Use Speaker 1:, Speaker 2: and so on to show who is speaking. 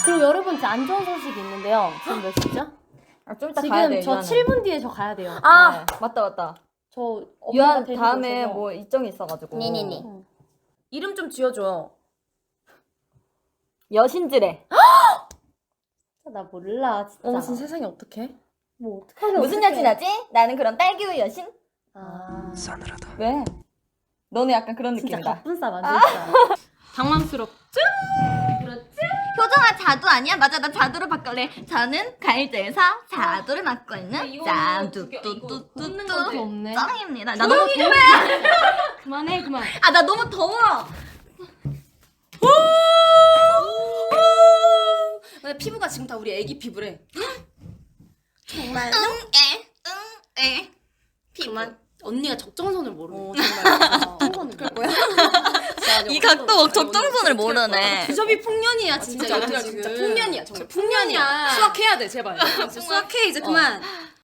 Speaker 1: 그리고 여러분 안 좋은 소식이 있는데요. 지금 몇 시죠?
Speaker 2: 좀 이따 가야 돼.
Speaker 1: 지금 저 7분 뒤에 저 가야 돼요.
Speaker 2: 네. 맞다.
Speaker 1: 저
Speaker 2: 유한 다음에 뭐 일정이 있어가지고.
Speaker 3: 네네네.
Speaker 4: 이름 좀 지어줘요.
Speaker 2: 여신지래.
Speaker 1: 나 몰라 진짜.
Speaker 4: 어머 진짜 세상에 어떡해?
Speaker 1: 뭐 어떡하게
Speaker 2: 무슨 여신하지? 나는 그럼 딸기우유 여신?
Speaker 5: 싸늘하다.
Speaker 2: 왜? 너는 약간 그런
Speaker 1: 진짜
Speaker 2: 느낌이다.
Speaker 1: 가쁜 싸 맞을
Speaker 4: 당황스럽죠?
Speaker 3: 효정아 자두 아니야? 맞아 나 자두로 바꿀래. 저는 가일드에서 자두를 맡고 있는 짠뚜뚜뚜뚜뚜
Speaker 1: 없네.
Speaker 3: 짱입니다. 나 너무 더워.
Speaker 1: 그만해 그만.
Speaker 3: 아 나 너무 더워.
Speaker 4: 근데 피부가 지금 다 우리 애기 피부래.
Speaker 3: 정말 응애
Speaker 4: 그만. 언니가 적정선을 모르네. 정말. 적정선을 그럴 거야?
Speaker 3: 이 각도 적정선을 모르네.
Speaker 4: 주접이 풍년이야 진짜.
Speaker 6: 진짜,
Speaker 4: 얘들아
Speaker 6: 지금.
Speaker 4: 진짜 풍년이야 정말 풍년이야. 수학해야 돼 제발. 수학해 이제 그만.